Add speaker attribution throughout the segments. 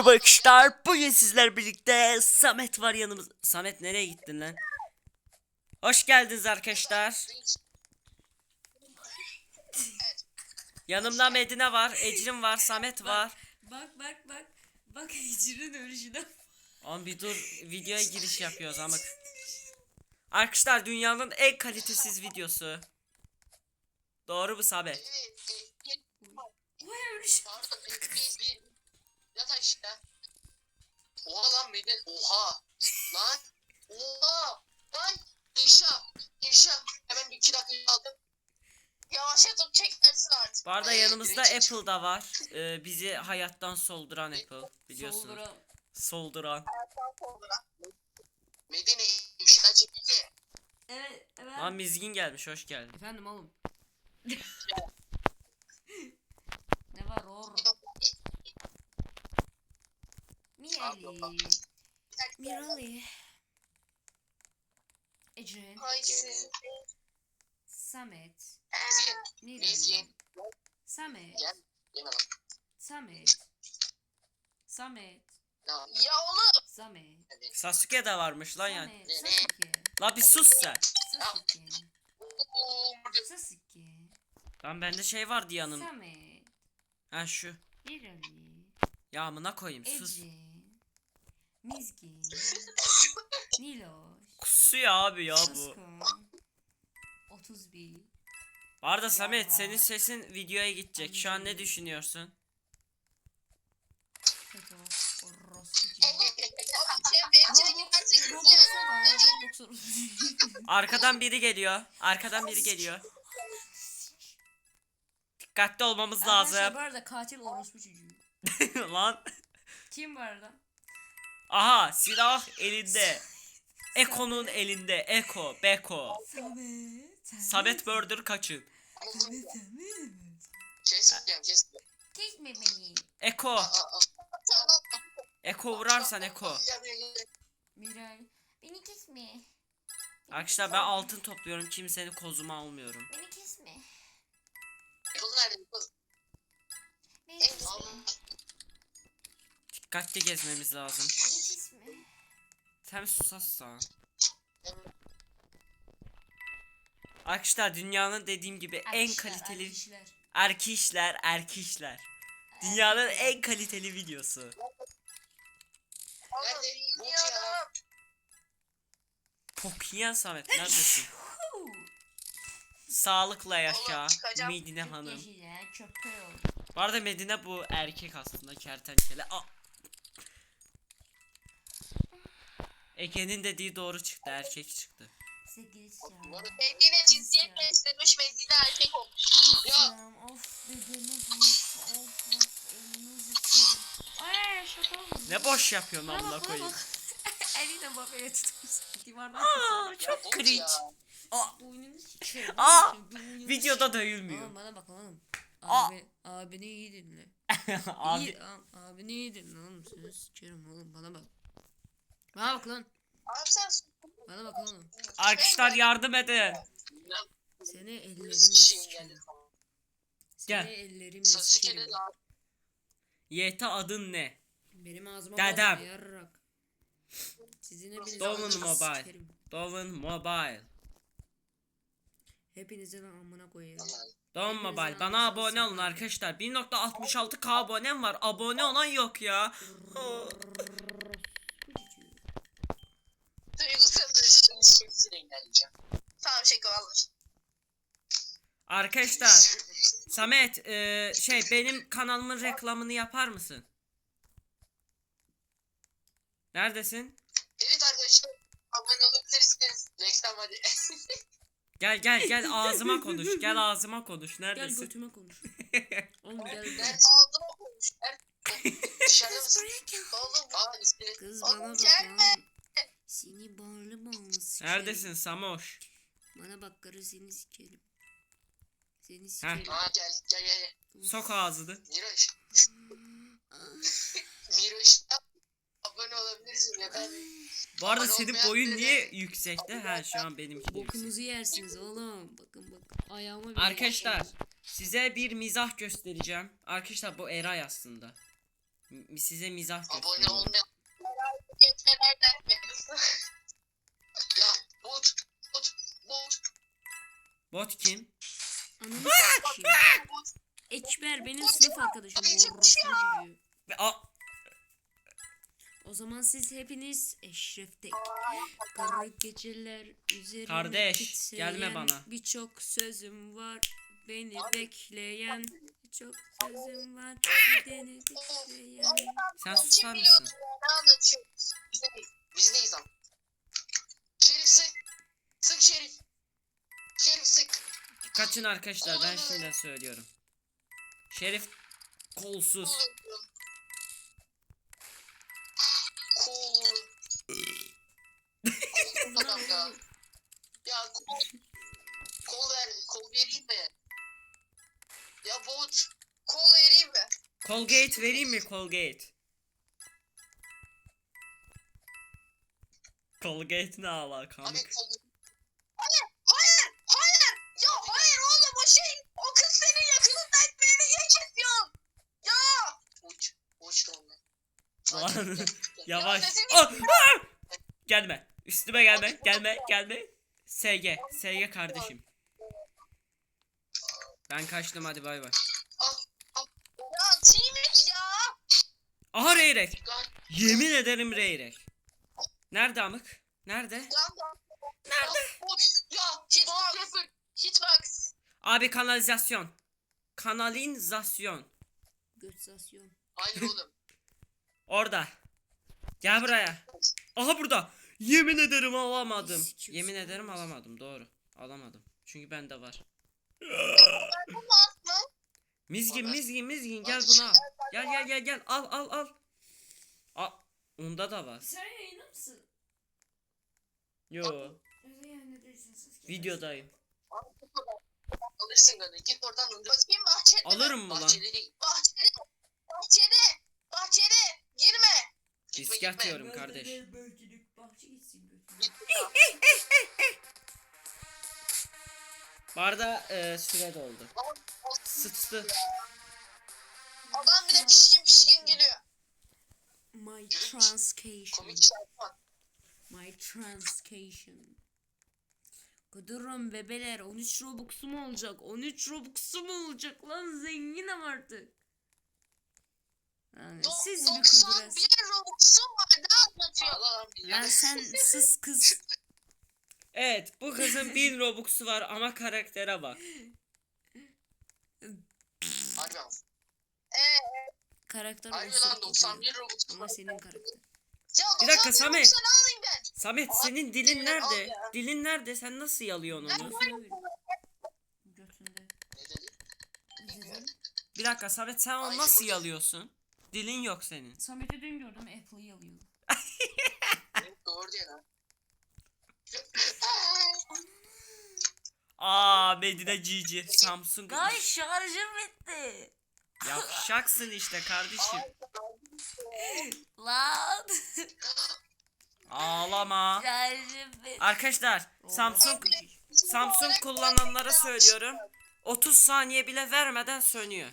Speaker 1: Merhaba arkadaşlar. Bugün sizler birlikte Samet var yanımızda. Samet nereye gittin lan? Hoş geldiniz arkadaşlar. Yanımda Medine var, Ecrin var, Samet var.
Speaker 2: Bak Hicr'in ölüşüne.
Speaker 1: Oğlum bir dur, videoya giriş yapıyoruz ama. Arkadaşlar dünyanın en kalitesiz videosu. Doğru mu Samet?
Speaker 2: Vay ölüş.
Speaker 3: Pardon bir yat aşağı. Oha lan beni oha lan oha lan İnşa hemen bir 2 dakika aldım. Yavaşlatıp çeklersin artık.
Speaker 1: Bu arada yanımızda Apple da var. Bizi hayattan solduran Apple biliyorsunuz. Solduran.
Speaker 3: Medine inşa çekildi.
Speaker 2: Evet.
Speaker 1: Lan Mizgin gelmiş, hoş geldin.
Speaker 2: Efendim oğlum. Ne var or? Mirali. Ecrin.
Speaker 3: Haysi.
Speaker 2: Samet. Mirali.
Speaker 3: Mizgin.
Speaker 2: Samet.
Speaker 3: Gel. Yeme lan.
Speaker 2: Samet.
Speaker 3: Ya oğlum.
Speaker 2: Samet.
Speaker 1: Sasuke de varmış lan yani.
Speaker 2: Samet. Sasuke.
Speaker 1: La bir sus sen.
Speaker 2: Sasuke.
Speaker 1: Lan bende şey vardı yanım.
Speaker 2: Samet.
Speaker 1: Ha şu.
Speaker 2: Mirali.
Speaker 1: Ya amına koyayım sus.
Speaker 2: Ecrin. Mizgin. Niloş.
Speaker 1: Kusuyor abi ya bu.
Speaker 2: Suskun. 31.
Speaker 1: Bu arada Samet senin sesin videoya gidecek. Şu an ne düşünüyorsun?
Speaker 2: Kötü. Orospu.
Speaker 1: Arkadan biri geliyor. Arkadan biri geliyor. Dikkatli olmamız
Speaker 2: Arkadaşlar
Speaker 1: lazım.
Speaker 2: bu arada katil orospu çocuğu.
Speaker 1: Lan.
Speaker 2: Kim bu arada?
Speaker 1: Aha silah elinde. Eko'nun elinde. Eko. Beko. Samet Burger kaçın.
Speaker 3: Kesmeyeceğim.
Speaker 2: Kesme beni.
Speaker 1: Eko. Eko vurarsan Eko.
Speaker 2: Miray. Beni kesme.
Speaker 1: Arkadaşlar ben altın topluyorum. Kimsenin kozuma almıyorum.
Speaker 2: Beni kesme.
Speaker 3: Kız nerede kız?
Speaker 2: Beni kesme.
Speaker 1: Dikkatli gezmemiz lazım.
Speaker 2: Beni kesme.
Speaker 1: Sen susarsan. Arkadaşlar dünyanın dediğim gibi en kaliteli erkişler. Dünyanın en kaliteli videosu.
Speaker 3: Nerede? Bu ya.
Speaker 1: Pokiyen Samet neredesin? Sağlıkla yaşa Medine Hanım. Bu arada Medine bu erkek aslında kertenkele. Ege'nin dediği doğru çıktı, erkek çıktı.
Speaker 3: Medine cinsiyet beslemiş Medine erkek olmuş. Ya.
Speaker 2: Of bedenim of elini zıtıyorum. Ay şaka oldu.
Speaker 1: Ne boş yapıyorsun amına koyayım.
Speaker 2: Eliyle bak öyle tutmuş. Divardan
Speaker 1: Çok cringe.
Speaker 2: boynunu sikerim.
Speaker 1: Videoda dövülmüyor.
Speaker 2: Oğlum bana bak oğlum.
Speaker 1: Aa.
Speaker 2: Abini iyi dinle.
Speaker 1: Abi
Speaker 2: Abini iyi dinle oğlum. Seni sikerim oğlum bana bak. Bana bak lan.
Speaker 3: Abi sen
Speaker 2: Bana bak oğlum.
Speaker 1: arkadaşlar yardım edin.
Speaker 2: Seni ellerimle
Speaker 3: kişiyim
Speaker 2: sikerim.
Speaker 3: geldi.
Speaker 1: Gel.
Speaker 2: Seni ellerimle
Speaker 3: Sasuke'de
Speaker 2: sikerim.
Speaker 3: de abi.
Speaker 1: YT adın ne?
Speaker 2: Benim ağzıma
Speaker 1: Dedem.
Speaker 2: bakma yarrak. Sizin hepinizi
Speaker 1: Doğum
Speaker 2: ağzınıza
Speaker 1: Mobile.
Speaker 2: sikerim.
Speaker 1: Doğum Mobile.
Speaker 2: Hepinizi de amına koyarım.
Speaker 1: Doğum Mobile. Bana abone olun arkadaşlar. 1.66k abonem var. Abone olan yok ya.
Speaker 3: Duygusal ilişkisiyle ilerleyeceğim. Tamam şaka vallahi.
Speaker 1: Arkadaşlar Samet benim kanalımın reklamını yapar mısın? Neredesin?
Speaker 3: Evet arkadaşlar. Abone olabilirsiniz. Reklam hadi.
Speaker 1: Gel ağzıma konuş. Gel ağzıma konuş.
Speaker 2: Gel
Speaker 1: Neredesin?
Speaker 2: götüme konuş. Oğlum gel.
Speaker 3: Ben ağzıma konuş. Dışarıda mısın? Oğlum. İsmini.
Speaker 2: Kız
Speaker 3: Oğlum,
Speaker 2: bana bak
Speaker 3: gelme.
Speaker 2: lan. Seni bağlı sikerim.
Speaker 1: Neredesin Samoş?
Speaker 2: Bana bak karı seni sikerim. Seni
Speaker 1: Heh.
Speaker 2: sikerim.
Speaker 3: Gel.
Speaker 1: Sok ağzını.
Speaker 3: Miroş. Miroş. Abone olabilirsin ya ben.
Speaker 1: Bu arada
Speaker 3: Abone
Speaker 1: senin
Speaker 3: olmayan
Speaker 1: boyun
Speaker 3: biri-
Speaker 1: niye yüksekte? Ha şu an benimki de yüksek.
Speaker 2: Bokumuzu yersiniz oğlum. Bakın ayağıma bir
Speaker 1: Arkadaşlar size bir mizah göstereceğim. Arkadaşlar bu Eray aslında. Size mizah
Speaker 3: Abone
Speaker 1: gösteriyorum.
Speaker 3: olmayan geçmelerden ya bot.
Speaker 1: Bot kim?
Speaker 2: Ananı s**eyim. Ekber benim sınıf arkadaşım. Bu orospu çocuğu.
Speaker 1: Aa,
Speaker 2: O zaman siz hepiniz Eşref'te. Kara geceler üzerine
Speaker 1: Kardeş,
Speaker 2: titreyen
Speaker 1: gelme bana.
Speaker 2: Birçok sözüm var beni bekleyen. Birçok sözüm var beni bekleyen.
Speaker 1: sen
Speaker 3: Kim
Speaker 1: susar
Speaker 3: biliyordu
Speaker 1: mısın?
Speaker 3: ya, ne anlatıyorsun? Biz neyiz lan? Şerif sık. Sık Şerif. Şerif sık.
Speaker 1: Kaçın arkadaşlar, ben şimdi söylüyorum. Şerif kolsuz.
Speaker 3: Cool. Adam ya. Ya kol ver. Kol vereyim mi? Ya bot. Kol vereyim mi?
Speaker 1: Colgate vereyim mi Colgate? Colgate ne alaka?
Speaker 3: Abi kol. Hayır. Hayır. Hayır. Ya hayır oğlum o şey. O kız senin yakınından beni geçiyor. Ya. Uç. Uç ondan.
Speaker 1: Lan, yavaş.
Speaker 3: Ya sesini-
Speaker 1: Ah, ah! Gelme. Üstüme gelme. Gelme. SG kardeşim. Ben kaçtım, hadi bay bay.
Speaker 3: Ya T-Max ya.
Speaker 1: Aha Reyrek.
Speaker 3: Lan.
Speaker 1: Yemin ederim Reyrek. Nerede amık? Nerede?
Speaker 3: Nerede? Ya hitbox. Hitbox.
Speaker 1: Abi kanalizasyon. Kanalizasyon.
Speaker 2: Götsasyon.
Speaker 3: Hayır oğlum.
Speaker 1: Orada. Gel buraya. Aha burada. Yemin ederim alamadım.
Speaker 2: Sikiyorsun.
Speaker 1: Yemin ederim alamadım. Doğru. Alamadım. Çünkü bende var. Mizgin gel buna. Gel. Al. Al. Onda da var.
Speaker 2: Sen yayında mısın?
Speaker 1: Yo.
Speaker 2: Özel yayında değilsin siz.
Speaker 1: Videodayım.
Speaker 3: Alırsın gönül. Git oradan öldür. Bakayım bahçede.
Speaker 1: Alırım mı lan?
Speaker 3: Bahçede değil. Bahçede. Girme.
Speaker 1: Risk atıyorum kardeş.
Speaker 2: Bahçe gitsin götüne.
Speaker 3: Git.
Speaker 1: Bu arada süre doldu. Sıçtı.
Speaker 3: Adam bile pişkin geliyor.
Speaker 2: My
Speaker 3: Komik
Speaker 2: transcation.
Speaker 3: şarkı var.
Speaker 2: My transcation. Kudurum bebeler 13 Robux'u mu olacak? 13 Robux'u mu olacak lan, zenginim artık. Yani siz bir
Speaker 3: 91
Speaker 2: kudurasın.
Speaker 3: Robux'um var. Ne anlatıyor?
Speaker 2: Lan sen sus kız.
Speaker 1: Evet, bu kızın 1000 Robux'u var ama karaktere bak.
Speaker 3: Harbi ama.
Speaker 2: Karakter
Speaker 3: Harbi
Speaker 2: olsun.
Speaker 3: lan 91 Robux'um
Speaker 2: Ama
Speaker 3: var.
Speaker 2: senin karakter.
Speaker 3: Ya
Speaker 1: Bir dakika
Speaker 3: 91
Speaker 1: Samet.
Speaker 3: Robux'u ne alayım ben?
Speaker 1: Samet
Speaker 3: Abi,
Speaker 1: senin dilin
Speaker 3: al
Speaker 1: nerede?
Speaker 3: ya.
Speaker 1: Dilin nerede? Sen nasıl yalıyorsun onu?
Speaker 2: Götünde.
Speaker 3: Ne dedi?
Speaker 2: Dedim.
Speaker 1: Bir dakika Samet, sen onu
Speaker 3: Ay,
Speaker 1: nasıl
Speaker 3: yumurta.
Speaker 1: yalıyorsun? Dilin yok senin.
Speaker 2: Samet'i dün gördüm, Apple'ı alıyor.
Speaker 3: Doğru diyor lan.
Speaker 1: Aa, Medine GG. Samsung.
Speaker 2: Ay şarjım bitti.
Speaker 1: Yavşaksın işte kardeşim.
Speaker 2: Lan.
Speaker 1: Ağlama.
Speaker 2: Şarjım bitti.
Speaker 1: Arkadaşlar Samsung kullananlara söylüyorum. 30 saniye bile vermeden sönüyor.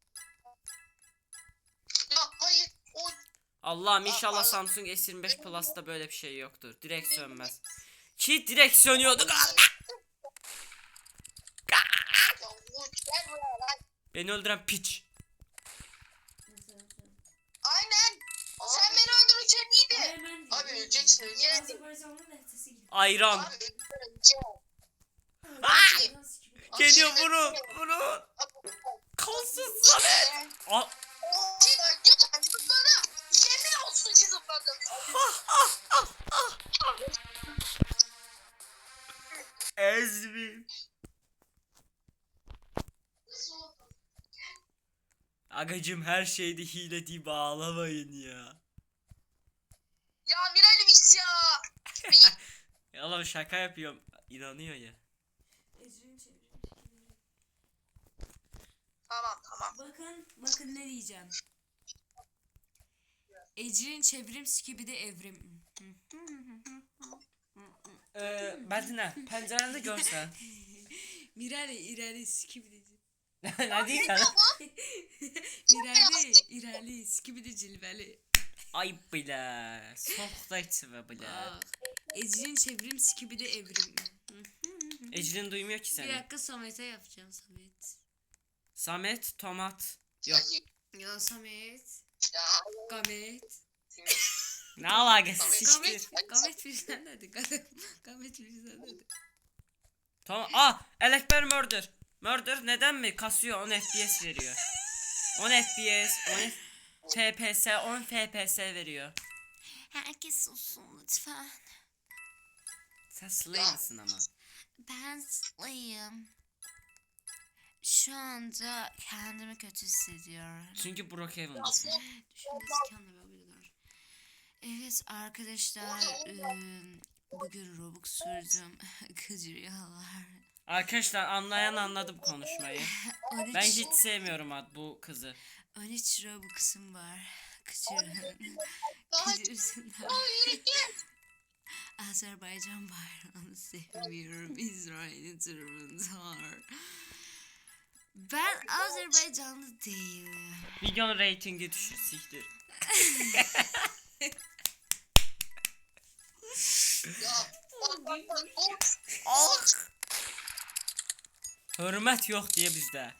Speaker 3: Ya hayır. O
Speaker 1: Allah'ım inşallah Samsung S25 Plus'ta böyle bir şey yoktur. Direkt sönmez. Ki direkt sönüyordu.
Speaker 3: ya o gel buraya lan.
Speaker 1: Beni öldüren piç.
Speaker 3: Aynen. Sen beni öldürürken iyiydi. Abi öleceksin.
Speaker 1: Ayran.
Speaker 3: Abi öleceksin.
Speaker 1: Geliyor vurun. Kalsın Samet. Al.
Speaker 3: Yemin olsun ki zıpladım.
Speaker 1: Ezmi. Agacım her şeyde hile deyip ağlamayın ya.
Speaker 3: Ya Miral'miş ya.
Speaker 1: Ya oğlum şaka yapıyorum. İnanıyor ya.
Speaker 3: Tamam.
Speaker 2: Bakın ne diyeceğim. Ecrin çevrim skibidi evrim.
Speaker 1: Medine pencerende görsen.
Speaker 2: Mirale irale skibidi.
Speaker 1: Ne diyeceksin?
Speaker 2: İrəli, skibidi cilvəli.
Speaker 1: Ayıp bile. Soğukta içme bile.
Speaker 2: Bak. Ecrin çevrim, skibidi evrim.
Speaker 1: Ecrin duymuyor ki
Speaker 2: Bir
Speaker 1: seni.
Speaker 2: dakika Samet'e yapacağım Samet.
Speaker 1: Samet tomat. Yok.
Speaker 2: Ya Samet.
Speaker 3: Ya
Speaker 2: Gamet.
Speaker 1: Ne alakası
Speaker 3: Samet,
Speaker 1: siktir.
Speaker 2: Gamet bir sen dedi. Gamet bir sen dedi.
Speaker 1: Tamam. Elekber murder. Murder neden mi? Kasıyor 10 FPS veriyor. 10 FPS, 10 FPS, 10 FPS veriyor.
Speaker 2: Herkes sussun lütfen.
Speaker 1: Sen slay mısın ama?
Speaker 2: Ben slayım. Şu anda kendimi kötü hissediyorum.
Speaker 1: Çünkü Brookhaven'dasın.
Speaker 2: Düşünmesi kendime yapabilirler. Evet arkadaşlar bugün Robux sürdüm. Kıcırıyorlar.
Speaker 1: Arkadaşlar anlayan anladı bu konuşmayı.
Speaker 2: 13,
Speaker 1: Ben hiç sevmiyorum bu kızı.
Speaker 2: 13 Robux'um var. Kıcırın. Kıcırsınlar. Azerbaycan bayrağını sevmiyorum. İsrail'in taraftar. Ben Azerbaycanlı değilim.
Speaker 1: Videonun reytingi düşür siktir. Ah! Hürmet yok diye bizde.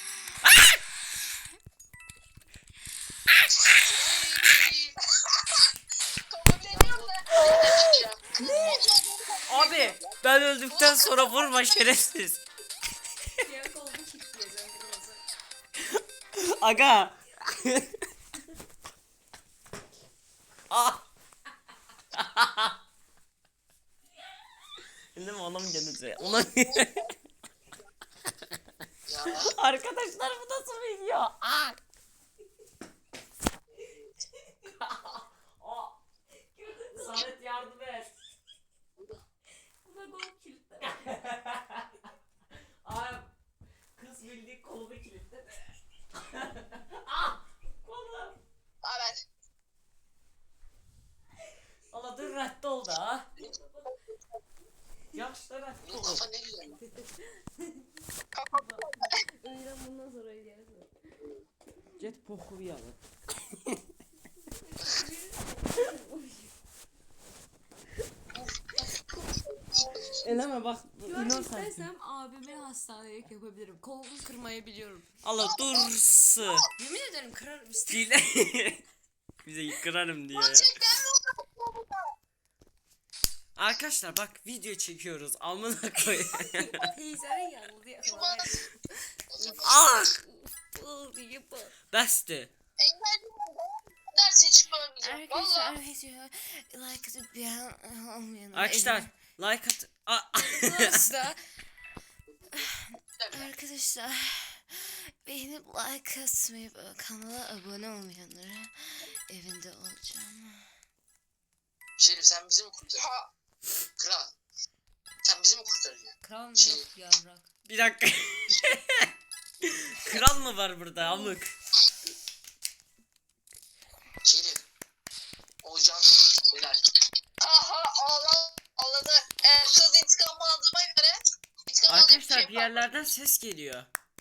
Speaker 1: Abi ben öldükten sonra vurma şerefsiz. Aga. Ah. Değil mi oğlum gelince? Ulan. Arkadaşlar bu nasıl video? Ah. Samet yardım et.
Speaker 2: Buna gol kilitler.
Speaker 1: Abi kız bildiği kolumu kilitledi. Ah kolum.
Speaker 3: Evet.
Speaker 1: Allah dur reddi oldu ha. Yaxşı reddi
Speaker 3: Bunun
Speaker 1: oldu.
Speaker 3: kafa ne güzel.
Speaker 2: Öyle bundan sonra gelsin.
Speaker 1: Get poxu yalı. Eleme bak.
Speaker 2: Görmek
Speaker 1: İnan sen.
Speaker 2: istersem abime hastanelik yapabilirim. Kolumu kırmayı biliyorum.
Speaker 1: Allah dursu.
Speaker 2: Yemin ederim kırarım işte.
Speaker 1: Dile. Bize kırarım diyor. Arkadaşlar bak video çekiyoruz. Amına koy.
Speaker 2: Teyzenin yanıldı ya.
Speaker 1: Ah!
Speaker 2: Bıl diye bıl.
Speaker 1: Bəsdir.
Speaker 3: Derse çıkmamayacağım.
Speaker 2: Arkadaşlar
Speaker 3: Valla.
Speaker 2: video like atıp beğen olmayanlar.
Speaker 1: Arkadaşlar like at.
Speaker 2: Arkadaşlar. Arkadaşlar. Beğenip like atmayı kanala abone olmayanlara evinde olacağım.
Speaker 3: Şerif sen bizi mi kurtarıyorsun? Kral. Sen bizi mi kurtarıyorsun?
Speaker 2: Kral mı
Speaker 3: Şey-
Speaker 2: yok yavrak?
Speaker 1: Bir dakika. Kral mı var burada amık?
Speaker 3: Şerif. Olcan. Helal. Aha ağladı. Kız intikam aldığıma göre. İntikam aldığı
Speaker 1: Arkadaşlar bir yerlerden ses geliyor.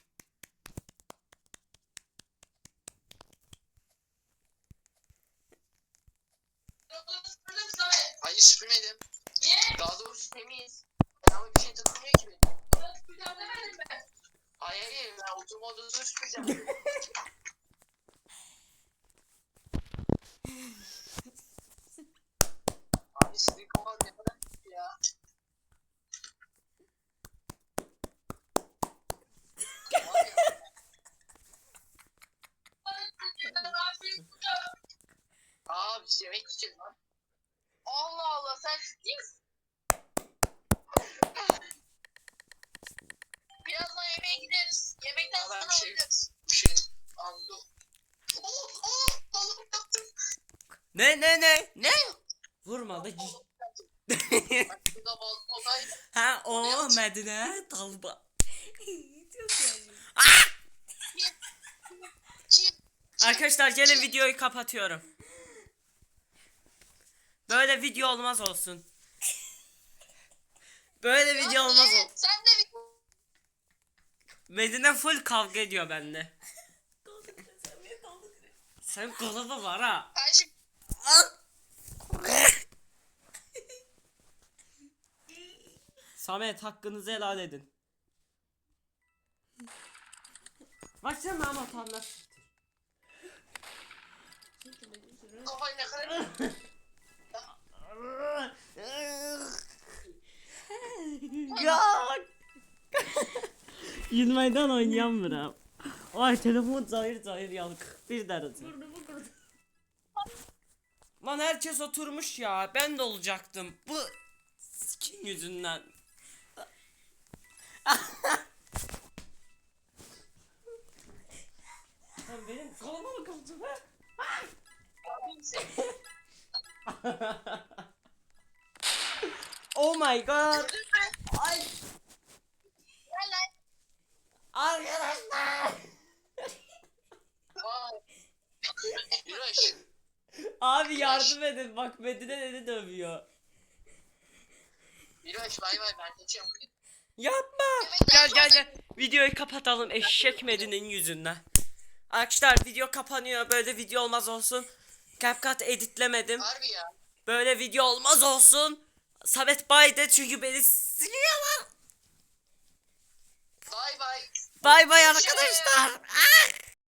Speaker 3: Hayır süpürmedim. Niye? Daha doğrusu temiz. Ama bir şey takılmıyor ki benim. Süpüreceğim demedim ben. Hayır ben oturma odasını süpüreceğim. Abi sizin kafanız ne kadar kötü ya. Abi biz yemek yiyeceğiz lan. Allah Allah sen ciddi misin? Birazdan yemeğe gideriz. Yemekten sonra alacağız. Bir şey anladım. Balık yaptım.
Speaker 1: Ne? Vurma da
Speaker 3: Şurada balık olay.
Speaker 1: Ha o Medine dalba. Arkadaşlar gelin videoyu kapatıyorum. Böyle video olmaz olsun. Böyle video olmaz olsun.
Speaker 3: Sen de
Speaker 1: Medine full kavga ediyor benimle. Sen kalıbı var ha.
Speaker 3: Kardeşim
Speaker 1: Samet hakkınızı helal edin. Bak sen Mahmut anlat.
Speaker 3: kafayı ne kadar...
Speaker 1: Ya. Yılmaydan oynayamıyorum. Ay telefon zahir yanık. Bir derece. Lan herkes oturmuş ya. Ben de olacaktım. Bu skin yüzünden. Lan benim koluma mı kaldı be? Oh my god.
Speaker 3: Gördün mü?
Speaker 1: Ay
Speaker 3: Gel lan.
Speaker 1: arkadaşlar.
Speaker 3: Vay. Yürüyüş.
Speaker 1: Abi yardım edin. Bak Medine dedi dövüyor.
Speaker 3: Yürüyüş bay bay ben geçiyorum.
Speaker 1: Yapma. Gel. Videoyu kapatalım eşek Medine'nin yüzünden. Arkadaşlar video kapanıyor. Böyle video olmaz olsun. CapCut editlemedim.
Speaker 3: Harbi ya.
Speaker 1: Böyle video olmaz olsun. Samet baydı çünkü beni siliyorlar.
Speaker 3: Bay bay.
Speaker 1: Bay bay arkadaşlar. Ah!